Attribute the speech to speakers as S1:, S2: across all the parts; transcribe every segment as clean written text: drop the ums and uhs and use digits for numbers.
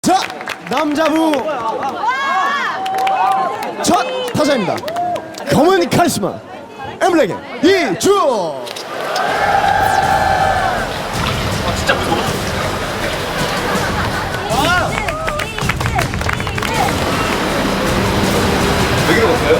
S1: 자, 남자부 첫 타자입니다. 검은 카리스마 엠블랙의 이주.
S2: 진짜 무서워. 왜 그러셨어요?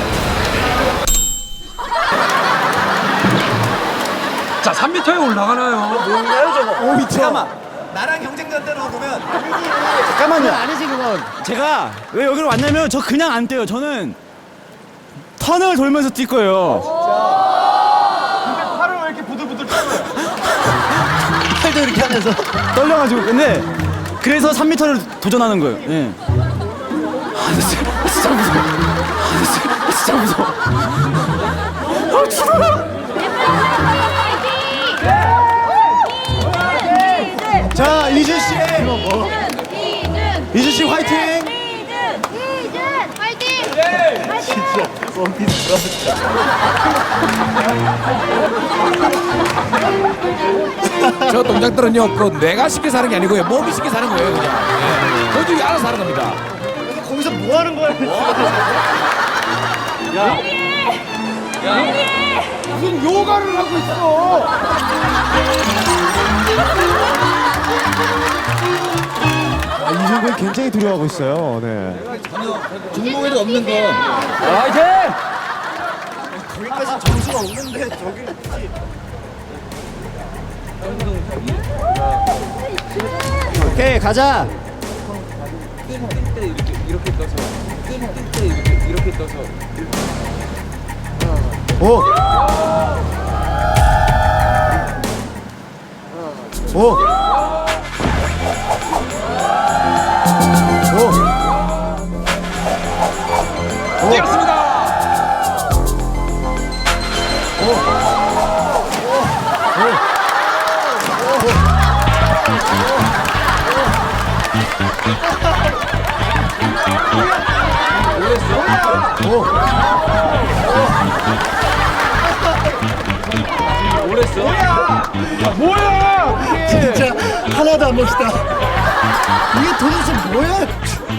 S3: 자, 3m에 올라가나요?
S4: 뭔가요 저거?
S1: 5m.
S4: 잠깐만. 나랑 경쟁자대로 보면
S1: 잠깐만요.
S4: 아니지 그건. 제가 왜 여기로 왔냐면 저 그냥 안 뛰어요. 저는 턴을 돌면서 뛸 거예요.
S1: 팔을 왜 이렇게 부들부들 떨어요?
S4: 팔도 이렇게 하면서 떨려가지고. 근데 그래서 3m를 도전하는 거예요. 예. 아, 진짜 무서워. 진짜 무서워. 아, 죽어라.
S1: 자, 이준 씨. 이준 씨 화이팅.
S5: 이준 화이팅! 화이팅!
S3: 저 동작들은요, 그 내가 쉽게 사는 게 아니고요, 몸이 쉽게 사는 거예요, 그냥. 예. 도중에 알아서 하는 겁니다.
S4: 거기서 뭐 하는 거야?
S1: 무슨 요가를 하고 있어. 이준 군 굉장히 두려워하고 있어요. 네.
S2: 종목에도 없는 거.
S4: 거기까지 점수가 없는데 저기. 오케이 가자.
S1: 오. 오.
S3: 뛰었습니다.
S1: 진짜 하나도 안 멋있다. 이게 도대체 뭐야?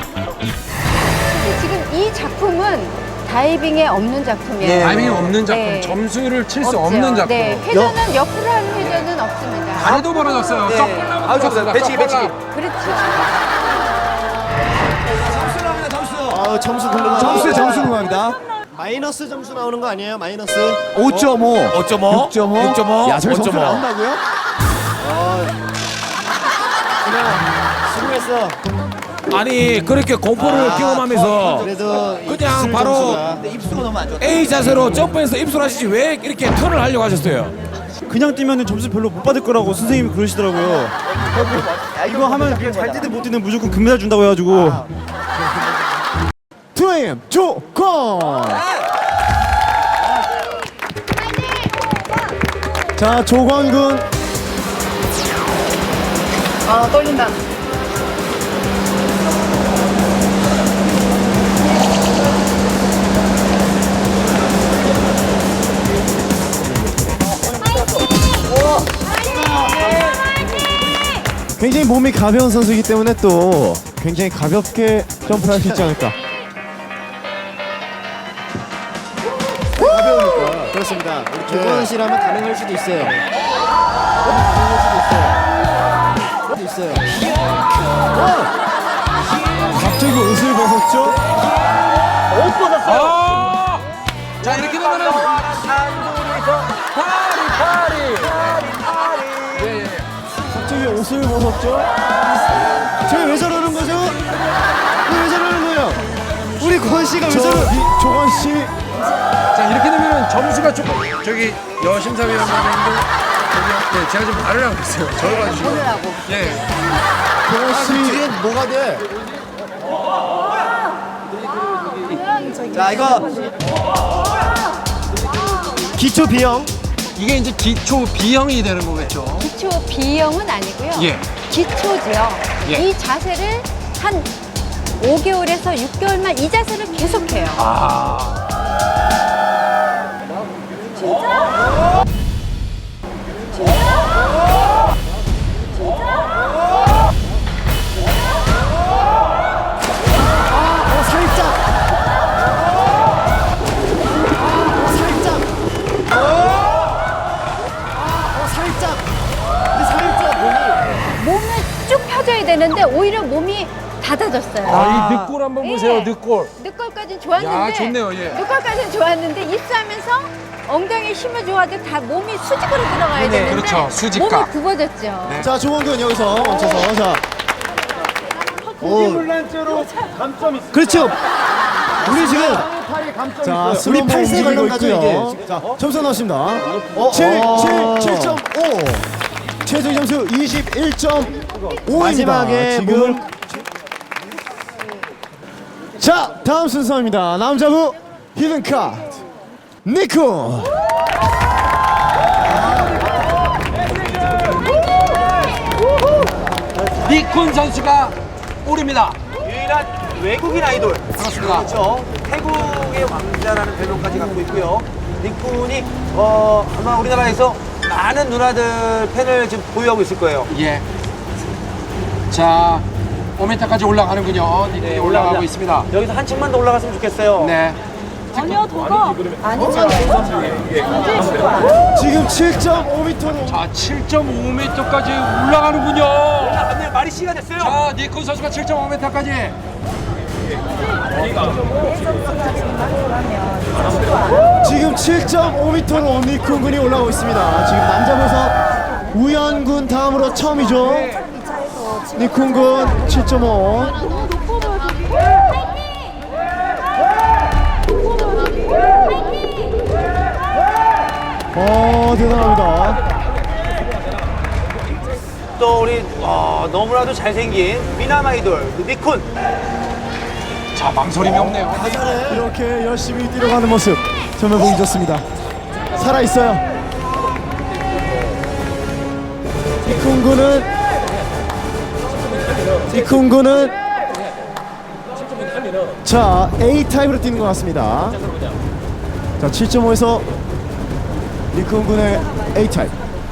S5: 지금 이 작품은 다이빙에 없는 작품이에요.
S3: 타이밍이 없는 작품,
S5: 네.
S3: 점수를 칠 수
S5: 없죠.
S3: 없는 작품.
S5: 네, 회전은 옆으로 하는 회전은 없습니다.
S3: 다리도 벌어졌어요.
S4: 네.
S3: 쩍벌나고
S4: 아우, 좋습니다. 배치기, 배치기.
S5: 그렇죠.
S4: 점수랍니다 점수.
S1: 점수 궁금합니다. 점수 궁금합니다. 마이너스 점수 나오는 거 아니에요? 마이너스
S3: 5.5.
S1: 6.5.
S3: 6.5.
S1: 야, 저기 점수
S3: 5.5.
S1: 나온다고요?
S4: 수고했어.
S3: 아니, 그렇게 공포를 경험하면서
S1: 그래도
S3: 그냥 바로
S4: 근데 입수가 너무 안 좋아.
S3: A 자세로 점프해서 입술하시지 왜 이렇게 턴을 하려고 하셨어요?
S4: 그냥 뛰면 점수 별로 못 받을 거라고 선생님이 그러시더라고요. 이거 하면 그냥 잘 뛰든 못 뛰든 무조건 금메달 준다고 해가지고.
S1: 2AM 조건. 자, 조건 군.
S5: 아, 떨린다.
S1: 굉장히 몸이 가벼운 선수이기 때문에 또 굉장히 가볍게 점프를 할 수 있지 않을까. 가벼우니까. 그렇습니다. 우리 조건 씨라면 가능할 수도 있어요. 가능할 수도 있어요. 갑자기 옷을 벗었죠?
S4: 옷 벗었어요.
S3: 아! 자, 이렇게 되면은
S1: 갑자기 옷을 벗었죠? 저희 왜 저러는 거죠? 왜 저러는 거예요? 우리 권 씨가 왜 저러? 조건 씨.
S3: 자, 이렇게 되면은 점수가 조금 저기 여심사위원장님도 네, 제가 지금 말을 하고 있어요. 저를 봐주시고.
S5: 하고.
S3: 예.
S1: 조건 씨. 뒤에 뭐가 돼?
S4: 자 이거 기초 비형.
S3: 이게 이제 기초 B형이 되는 거겠죠.
S5: 기초 B형은 아니고요.
S3: 예.
S5: 기초죠.
S3: 예.
S5: 이 자세를 한 5개월에서 6개월만 이 자세를 계속해요.
S3: 아.
S5: 몸이 닫아졌어요.
S3: 이 늑골 한번 보세요.
S5: 예.
S3: 늑골.
S5: 늑골까지는 좋았는데.
S3: 야, 좋네요, 예.
S5: 늑골까지는 좋았는데 입수하면서 엉덩이에 힘을 줘가지고 다 몸이 수직으로 들어가야 되는데
S3: 그렇죠. 수직각.
S5: 몸이 굽어졌죠.
S1: 자, 조원근 여기서 멈춰서. 자. 오.
S4: 물란죄로 감점 있어.
S1: 그렇죠. 우리 지금
S4: 감점
S1: 자,
S4: 있어요.
S1: 우리 팔세
S4: 움직이고
S1: 관련가죠,
S4: 있고요.
S1: 이게. 자, 점수 나왔습니다. 7.5. 최종 점수 21.5입니다.
S4: 마지막에
S1: 지금 자, 다음 순서입니다. 남자부 히든 카드 니쿤.
S3: 니쿤 선수가 오릅니다.
S6: 유일한 외국인 아이돌.
S3: 그렇습니다.
S6: 그렇죠. 태국의 왕자라는 별명까지 갖고 있고요. 니쿤이 아마 우리나라에서 많은 누나들 팬을 지금 보유하고 있을 거예요.
S3: 예. 자, 5m까지 올라가는군요. 니쿤이 올라가고 있습니다.
S6: 여기서 한층만 더 올라갔으면 좋겠어요.
S3: 네.
S1: 지금 7.5m로
S3: 자, 7.5m까지 올라가는군요.
S6: 맞네요. 말이 씨가 됐어요.
S3: 자, 니쿤 선수가 7.5m까지.
S1: 지금 7.5m로 니쿤 군이 올라가고 있습니다. 지금 남자부에서 우연군 다음으로 처음이죠. 니쿤 군 7.5. 대단합니다.
S6: 또 우리 너무나도 잘생긴 미남 아이돌 니쿤.
S3: 자, 망설임이 없네요.
S1: 이렇게 열심히 뛰어가는 모습 정말 보기 좋습니다. 살아있어요. 니쿤 군은 자, A타입으로 뛰는 것 같습니다. 자, 7.5에서 니쿤 군의 A타입.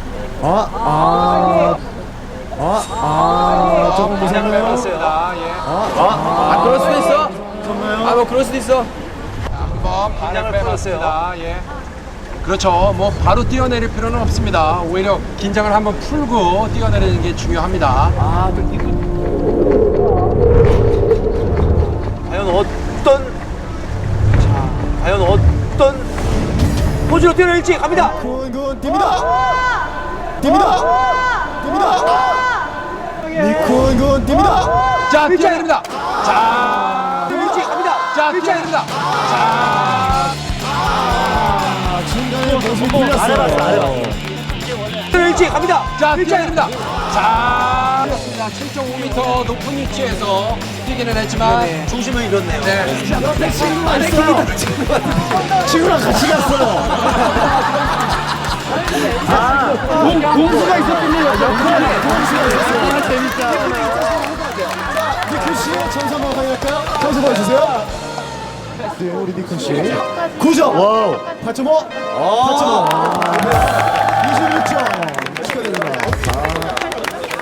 S1: 조금 무섭네요.
S3: 아, 그럴 수도 있어. 뭐 그럴 수도 있어. 한번 발을 빼봤습니다. 예. 그렇죠. 뭐 바로 뛰어내릴 필요는 없습니다. 오히려 긴장을 한번 풀고 뛰어내리는 게 중요합니다.
S6: 과연 어떤 포즈로 뛰어낼지 갑니다.
S1: 니쿤 뜁니다. 니쿤 군 뜁니다.
S3: 자, 뛰어내립니다.
S6: 뛰어낼지 갑니다.
S3: 자, 뛰어내립니다.
S1: 중간에 모습이 풀렸어요.
S6: 뛰어낼지 갑니다.
S3: 자, 뛰어내립니다. 자, 그렇습니다. 7.5m 높은 위치에서 뛰기는 했지만
S6: 중심을 잃었네요.
S3: 네.
S1: 친구랑 같이 갔어요.
S4: 공수가 있었군요.
S1: 니쿤 씨, 점수 한번 확인할까요? 점수 보여주세요. 네, 우리 니쿤 씨. 9점. 8.5. 8.5. 26점. 축하드립니다.